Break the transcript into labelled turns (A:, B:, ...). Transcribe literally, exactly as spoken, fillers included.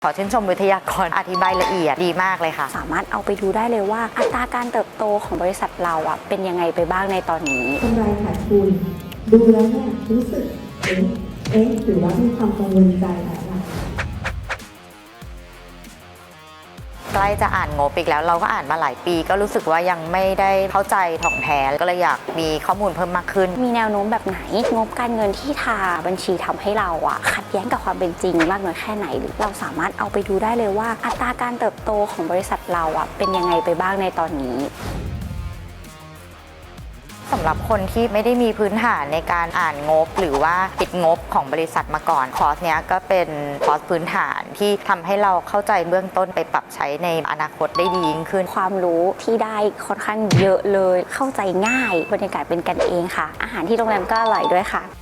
A: ขอชื่นชมวิทยากรอธิบายละเอียดดีมากเลยค่ะ
B: สามารถเอาไปดูได้เลยว่าอัตราการเติบโตของบริษัทเราอ่ะเป็นยังไงไปบ้างในตอนนี้
C: กำไรขาดทุนดูแล้วเนี่ยรู้สึกเอ๊ะเอ๊ะหรือว่ามีความกังวลใจแล้วล่ะ
A: ใกล้จะอ่านงบอีกแล้วเราก็อ่านมาหลายปีก็รู้สึกว่ายังไม่ได้เข้าใจถ่องแท้ก็เลยอยากมีข้อมูลเพิ่มมากขึ้น
B: มีแนวโน้มแบบไหนงบการเงินที่ทาบัญชีทำให้เราอะขัดแย้งกับความเป็นจริงมากน้อยแค่ไหนเราสามารถเอาไปดูได้เลยว่าอัตราการเติบโตของบริษัทเราอะเป็นยังไงไปบ้างในตอนนี้
A: สำหรับคนที่ไม่ได้มีพื้นฐานในการอ่านงบหรือว่าปิดงบของบริษัทมาก่อนคอร์สเนี้ยก็เป็นคอร์สพื้นฐานที่ทำให้เราเข้าใจเบื้องต้นไปปรับใช้ในอนาคตได้ดียิ่งขึ้น
B: ความรู้ที่ได้ค่อนข้างเยอะเลยเข้าใจง่ายบรรยากาศเป็นกันเองค่ะอาหารที่โรงแรมก็อร่อยด้วยค่ะ